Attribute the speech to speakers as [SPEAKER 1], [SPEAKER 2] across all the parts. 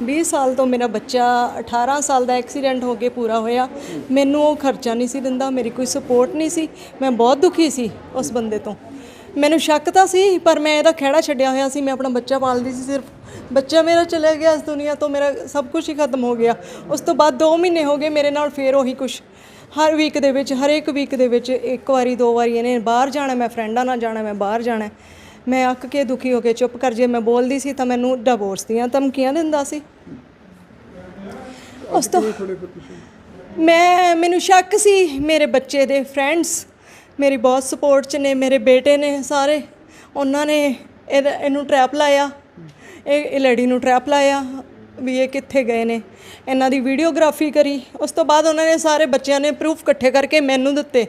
[SPEAKER 1] 20 ਸਾਲ ਤੋਂ ਮੇਰਾ ਬੱਚਾ 18 ਸਾਲ ਦਾ ਐਕਸੀਡੈਂਟ ਹੋ ਕੇ ਪੂਰਾ ਹੋਇਆ। ਮੈਨੂੰ ਉਹ ਖਰਚਾ ਨਹੀਂ ਸੀ ਦਿੰਦਾ, ਮੇਰੀ ਕੋਈ ਸਪੋਰਟ ਨਹੀਂ ਸੀ। ਮੈਂ ਬਹੁਤ ਦੁਖੀ ਸੀ ਉਸ ਬੰਦੇ ਤੋਂ। ਮੈਨੂੰ ਸ਼ੱਕ ਤਾਂ ਸੀ, ਪਰ ਮੈਂ ਇਹਦਾ ਖਹਿੜਾ ਛੱਡਿਆ ਹੋਇਆ ਸੀ। ਮੈਂ ਆਪਣਾ ਬੱਚਾ ਪਾਲਦੀ ਸੀ, ਸਿਰਫ ਬੱਚਾ ਮੇਰਾ ਚਲਾ ਗਿਆ ਇਸ ਦੁਨੀਆ ਤੋਂ, ਮੇਰਾ ਸਭ ਕੁਝ ਹੀ ਖਤਮ ਹੋ ਗਿਆ। ਉਸ ਤੋਂ ਬਾਅਦ 2 ਮਹੀਨੇ ਹੋ ਗਏ ਮੇਰੇ ਨਾਲ ਫੇਰ ਉਹੀ ਕੁਛ। ਹਰ ਵੀਕ ਦੇ ਵਿੱਚ, ਹਰੇਕ ਵੀਕ ਦੇ ਵਿੱਚ 1 ਵਾਰੀ 2 ਵਾਰੀ ਇਹਨੇ ਬਾਹਰ ਜਾਣਾ, ਮੈਂ ਫਰੈਂਡਾਂ ਨਾਲ ਜਾਣਾ, ਮੈਂ ਬਾਹਰ ਜਾਣਾ। ਮੈਂ ਅੱਕ ਕੇ ਦੁਖੀ ਹੋ ਕੇ ਚੁੱਪ ਕਰ, ਜੇ ਮੈਂ ਬੋਲਦੀ ਸੀ ਤਾਂ ਮੈਨੂੰ ਡਿਵੋਰਸ ਦੀਆਂ ਧਮਕੀਆਂ ਦਿੰਦਾ ਸੀ। ਉਸ ਤੋਂ ਮੈਨੂੰ ਸ਼ੱਕ ਸੀ। ਮੇਰੇ ਬੱਚੇ ਦੇ ਫਰੈਂਡਸ ਮੇਰੀ ਬਹੁਤ ਸਪੋਰਟ 'ਚ ਨੇ, ਮੇਰੇ ਬੇਟੇ ਨੇ ਸਾਰੇ, ਉਹਨਾਂ ਨੇ ਇਹਨੂੰ ਟਰੈਪ ਲਾਇਆ, ਇਹ ਲੜੀ ਨੂੰ ਟਰੈਪ ਲਾਇਆ ਵੀ ਇਹ ਕਿੱਥੇ ਗਏ ਨੇ। ਇਹਨਾਂ ਦੀ ਵੀਡੀਓਗ੍ਰਾਫੀ ਕਰੀ। ਉਸ ਤੋਂ ਬਾਅਦ ਉਹਨਾਂ ਨੇ ਸਾਰੇ ਬੱਚਿਆਂ ਨੇ ਪ੍ਰੂਫ ਇਕੱਠੇ ਕਰਕੇ ਮੈਨੂੰ ਦਿੱਤੇ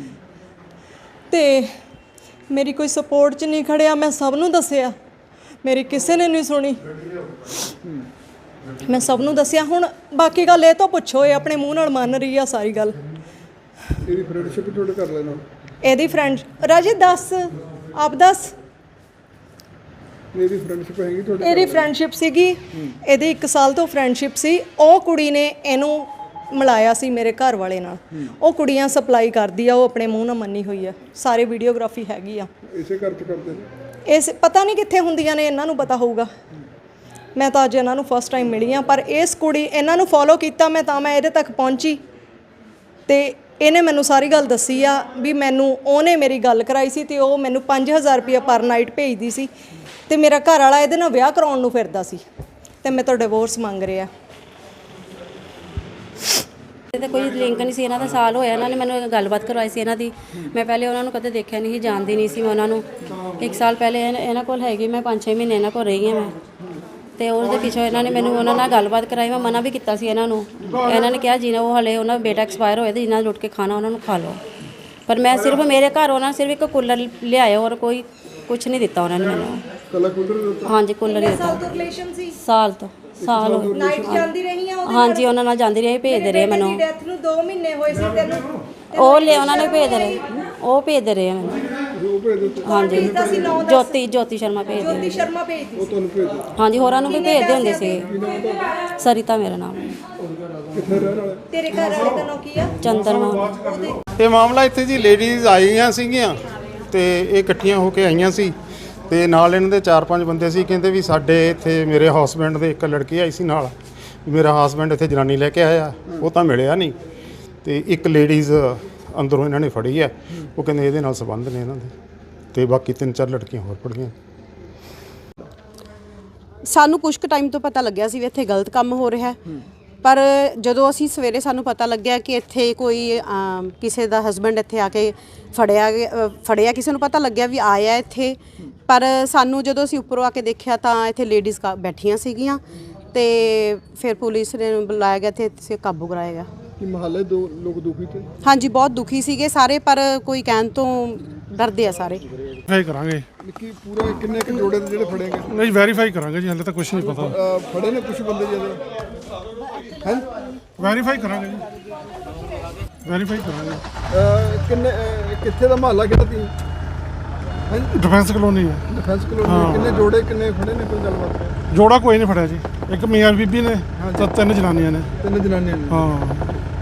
[SPEAKER 1] ਤੇ ਮੇਰੀ ਕੋਈ ਸਪੋਰਟ 'ਚ ਨਹੀਂ ਖੜਿਆ। ਮੈਂ ਸਭ ਨੂੰ ਦੱਸਿਆ, ਮੇਰੀ ਕਿਸੇ ਨੇ ਨਹੀਂ ਸੁਣੀ। ਮੈਂ ਸਭ ਨੂੰ ਦੱਸਿਆ। ਹੁਣ ਬਾਕੀ ਗੱਲ ਇਹ ਤੋਂ ਪੁੱਛੋ, ਇਹ ਆਪਣੇ ਮੂੰਹ ਨਾਲ ਮੰਨ ਰਹੀ ਆ ਸਾਰੀ ਗੱਲ।
[SPEAKER 2] ਇਹਦੀ ਫਰੈਂਡਸ਼ਿਪ ਤੁਹਾਡੇ ਕਰ ਲੈਣਾ।
[SPEAKER 1] ਇਹਦੀ ਫਰੈਂਡ ਰਾਜੇ ਦੱਸ, ਆਪ ਦੱਸ।
[SPEAKER 2] ਇਹਦੀ ਫਰੈਂਡਸ਼ਿਪ ਹੈਗੀ ਤੁਹਾਡੇ?
[SPEAKER 1] ਇਹਦੀ ਫਰੈਂਡਸ਼ਿਪ ਸੀਗੀ, ਇਹਦੀ 1 ਸਾਲ ਤੋਂ ਫਰੈਂਡਸ਼ਿਪ ਸੀ। ਉਹ ਕੁੜੀ ਨੇ ਇਹਨੂੰ ਮਿਲਾਇਆ ਸੀ ਮੇਰੇ ਘਰ ਵਾਲੇ ਨਾਲ। ਉਹ ਕੁੜੀਆਂ ਸਪਲਾਈ ਕਰਦੀ ਆ, ਉਹ ਆਪਣੇ ਮੂੰਹ ਨਾਲ ਮੰਨੀ ਹੋਈ ਆ। ਸਾਰੇ ਵੀਡੀਓਗ੍ਰਾਫੀ ਹੈਗੀ ਆ।
[SPEAKER 2] ਇਸੇ ਘਰ 'ਚ ਕਰਦੇ ਨੇ?
[SPEAKER 1] ਇਸ ਪਤਾ ਨਹੀਂ ਕਿੱਥੇ ਹੁੰਦੀਆਂ ਨੇ, ਇਹਨਾਂ ਨੂੰ ਪਤਾ ਹੋਊਗਾ। ਮੈਂ ਤਾਂ ਅੱਜ ਇਹਨਾਂ ਨੂੰ ਫਸਟ ਟਾਈਮ ਮਿਲੀ ਹਾਂ, ਪਰ ਇਸ ਕੁੜੀ ਇਹਨਾਂ ਨੂੰ ਫੋਲੋ ਕੀਤਾ ਮੈਂ, ਤਾਂ ਮੈਂ ਇਹਦੇ ਤੱਕ ਪਹੁੰਚੀ। ਤੇ ਇਹਨੇ ਮੈਨੂੰ ਸਾਰੀ ਗੱਲ ਦੱਸੀ ਆ ਵੀ ਮੈਨੂੰ ਉਹਨੇ ਮੇਰੀ ਗੱਲ ਕਰਾਈ ਸੀ ਤੇ ਉਹ ਮੈਨੂੰ 5000 ਰੁਪਇਆ ਪਰ ਨਾਈਟ ਭੇਜਦੀ ਸੀ ਤੇ ਮੇਰਾ ਘਰ ਵਾਲਾ ਇਹਦੇ ਨਾਲ ਵਿਆਹ ਕਰਾਉਣ ਨੂੰ ਫਿਰਦਾ ਸੀ ਤੇ ਮੈਂ ਤੋਂ ਡਿਵੋਰਸ ਮੰਗ ਰਿਹਾ।
[SPEAKER 3] ਤੇ ਕੋਈ ਲਿੰਕ ਨਹੀਂ ਸੀ ਇਹਨਾਂ ਦਾ। ਸਾਲ ਹੋਇਆ ਇਹਨਾਂ ਨੇ ਮੈਨੂੰ ਗੱਲਬਾਤ ਕਰਵਾਈ ਸੀ ਇਹਨਾਂ ਦੀ। ਮੈਂ ਪਹਿਲੇ ਉਹਨਾਂ ਨੂੰ ਕਦੇ ਦੇਖਿਆ ਨਹੀਂ ਸੀ, ਜਾਣਦੀ ਨਹੀਂ ਸੀ ਮੈਂ ਉਹਨਾਂ ਨੂੰ। 1 ਸਾਲ ਪਹਿਲੇ ਇਹਨਾਂ ਕੋਲ ਹੈਗੀ, ਮੈਂ 5-6 ਮਹੀਨੇ ਇਹਨਾਂ ਕੋਲ ਰਹੀ ਹਾਂ ਮੈਂ। ਤੇ ਉਹਦੇ ਪਿੱਛੋਂ ਇਹਨਾਂ ਨੇ ਮੈਨੂੰ ਉਹਨਾਂ ਨਾਲ ਗੱਲਬਾਤ ਕਰਾਈ। ਮੈਂ ਮਨਾ ਵੀ ਕੀਤਾ ਸੀ ਇਹਨਾਂ ਨੂੰ। ਇਹਨਾਂ ਨੇ ਕਿਹਾ ਜਿਹਨਾਂ ਉਹ ਹਲੇ ਉਹਨਾਂ ਦਾ ਬੇਟਾ ਐਕਸਪਾਇਰ ਹੋਇਆ ਤੇ ਜਿਹਨਾਂ ਲੁੱਟ ਕੇ ਖਾਣਾ ਉਹਨਾਂ ਨੂੰ ਖਾ ਲਓ। ਪਰ ਮੈਂ ਸਿਰਫ ਮੇਰੇ ਘਰ ਉਹਨਾਂ ਸਿਰਫ ਇੱਕ ਕੂਲਰ ਲਿਆਇਆ, ਔਰ ਕੋਈ ਕੁਝ ਨਹੀਂ ਦਿੱਤਾ ਉਹਨਾਂ ਨੇ ਮੈਨੂੰ।
[SPEAKER 2] ਕੱਲਾ ਕੂਲਰ ਦਿੱਤਾ?
[SPEAKER 3] ਹਾਂਜੀ, ਕੂਲਰ ਹੀ ਦਿੱਤਾ।
[SPEAKER 1] ਸਾਲ ਤੋਂ ਰਿਲੇਸ਼ਨ ਸੀ?
[SPEAKER 3] ਸਾਲ ਤੋਂ ਸਾਲ ਹੋਏ।
[SPEAKER 1] ਨਾਈਟ ਜਾਂਦੀ ਰਹੀ ਆ ਉਹਦੇ?
[SPEAKER 3] ਹਾਂਜੀ, ਉਹਨਾਂ ਨਾਲ ਜਾਂਦੀ ਰਹੀ, ਭੇਜਦੇ ਰਹੇ ਮੈਨੂੰ।
[SPEAKER 1] ਡੈਥ ਨੂੰ 2 ਮਹੀਨੇ ਹੋਏ ਸੀ ਤੈਨੂੰ?
[SPEAKER 3] ਉਹ ਲੈ ਉਹਨਾਂ ਨੇ ਭੇਜਦੇ ਰਹੇ, ਉਹ ਭੇਜਦੇ ਰਹੇ ਮੈਨੂੰ। ਹਾਂਜੀ, ਜੋਤੀ ਸ਼ਰਮਾ ਭੇਜਦੇ।
[SPEAKER 1] ਜੋਤੀ ਸ਼ਰਮਾ ਭੇਜਦੀ
[SPEAKER 2] ਉਹ ਤੁਹਾਨੂੰ ਭੇਜ ਦਿਓ?
[SPEAKER 3] ਹਾਂਜੀ, ਹੋਰਾਂ ਨੂੰ ਵੀ ਭੇਜਦੇ ਹੁੰਦੇ ਸੀ। ਸਰਿਤਾ ਮੇਰਾ ਨਾਮ।
[SPEAKER 2] ਕਿੱਥੇ ਰਹਿਣ ਵਾਲੇ?
[SPEAKER 1] ਤੇਰੇ ਘਰ ਵਾਲੇ ਦਾ ਨਾਮ ਕੀ ਆ?
[SPEAKER 3] ਚੰਦਰਮਾ।
[SPEAKER 4] ਇਹ ਮਾਮਲਾ ਇੱਥੇ ਜੀ ਲੇਡੀਜ਼ ਆਈਆਂ ਸੀਗੀਆਂ ਤੇ ਇਹ ਇਕੱਠੀਆਂ ਹੋ ਕੇ ਆਈਆਂ ਸੀ ਤੇ ਨਾਲ ਇਹਨਾਂ ਦੇ 4-5 ਬੰਦੇ ਸੀ। ਕਹਿੰਦੇ ਵੀ ਸਾਡੇ ਇੱਥੇ ਮੇਰੇ ਹਸਬੈਂਡ ਦੇ ਇੱਕ ਲੜਕੀ ਆਈ ਸੀ ਨਾਲ, ਮੇਰਾ ਹਸਬੈਂਡ ਇੱਥੇ ਜਨਾਨੀ ਲੈ ਕੇ ਆਇਆ, ਉਹ ਤਾਂ ਮਿਲਿਆ ਨਹੀਂ। ਤੇ ਇੱਕ ਲੇਡੀਜ਼ ਅੰਦਰੋਂ ਇਹਨਾਂ ਨੇ ਫੜੀ ਹੈ, ਉਹ ਕਹਿੰਦੇ ਇਹਦੇ ਨਾਲ ਸੰਬੰਧ ਨੇ ਇਹਨਾਂ ਦੇ, ਤੇ ਬਾਕੀ 3-4 ਲੜਕੀਆਂ ਹੋਰ ਫੜੀਆਂ।
[SPEAKER 5] ਸਾਨੂੰ ਕੁਝ ਕੁ ਟਾਈਮ ਤੋਂ ਪਤਾ ਲੱਗਿਆ ਸੀ ਵੀ ਇੱਥੇ ਗਲਤ ਕੰਮ ਹੋ ਰਿਹਾ, ਪਰ ਜਦੋਂ ਅਸੀਂ ਸਵੇਰੇ ਸਾਨੂੰ ਪਤਾ ਲੱਗਿਆ ਕਿ ਇੱਥੇ ਕੋਈ ਕਿਸੇ ਦਾ ਹਸਬੈਂਡ ਇੱਥੇ ਆ ਕੇ ਫੜਿਆ ਕਿਸੇ ਨੂੰ ਪਤਾ ਲੱਗਿਆ ਵੀ ਆਇਆ ਇੱਥੇ। ਪਰ ਸਾਨੂੰ ਜਦੋਂ ਅਸੀਂ ਉੱਪਰੋਂ ਆ ਕੇ ਦੇਖਿਆ ਤਾਂ ਇੱਥੇ ਲੇਡੀਜ਼ ਬੈਠੀਆਂ ਸੀਗੀਆਂ ਤੇ ਫਿਰ ਪੁਲਿਸ ਨੇ ਬੁਲਾਇਆ ਗਿਆ, ਇੱਥੇ ਕਾਬੂ ਕਰਾਇਆ ਗਿਆ।
[SPEAKER 2] ਕਿ ਮਹੱਲੇ ਦੋ ਲੋਕ ਦੁਖੀ ਤੇ?
[SPEAKER 5] ਹਾਂਜੀ, ਬਹੁਤ ਦੁਖੀ ਸੀਗੇ ਸਾਰੇ, ਪਰ ਕੋਈ ਕਹਿਣ ਤੋਂ ਡਰਦੇ ਆ ਸਾਰੇ।
[SPEAKER 6] ਵੈਰੀਫਾਈ ਕਰਾਂਗੇ
[SPEAKER 2] ਕਿ ਪੂਰਾ ਕਿੰਨੇ ਕੁ ਜੋੜੇ ਦੇ ਜਿਹੜੇ ਫੜੇ ਗਏ?
[SPEAKER 6] ਨਹੀਂ, ਵੈਰੀਫਾਈ ਕਰਾਂਗੇ ਜੀ, ਹਾਲੇ ਤਾਂ ਕੁਝ ਨਹੀਂ ਪਤਾ।
[SPEAKER 2] ਫੜੇ ਨੇ ਕੁਝ ਬੰਦੇ ਜਿਹੜੇ ਹੈ?
[SPEAKER 6] ਵੈਰੀਫਾਈ ਕਰਾਂਗੇ ਜੀ, ਵੈਰੀਫਾਈ ਕਰਾਂਗੇ।
[SPEAKER 2] ਕਿੰਨੇ ਕਿੱਥੇ ਦਾ ਮਹੱਲਾ ਕਿਹੜਾ ਤੀ?
[SPEAKER 6] ਡਿਫੈਂਸ ਕਲੋਨੀ ਹੈ।
[SPEAKER 2] Defence colony. ਕਿੰਨੇ ਜੋੜੇ ਕਿੰਨੇ ਫੜੇ ਨੇ, ਕੋਈ ਗੱਲਬਾਤ?
[SPEAKER 6] ਜੋੜਾ ਕੋਈ ਨਹੀਂ ਫੜਿਆ ਜੀ, ਇੱਕ ਮੀਆਂ ਬੀਬੀ ਨੇ ਤੇ 3 ਜਨਾਨੀਆਂ ਨੇ।
[SPEAKER 2] 3 ਜਨਾਨੀਆਂ ਨੇ?
[SPEAKER 6] ਹਾਂ।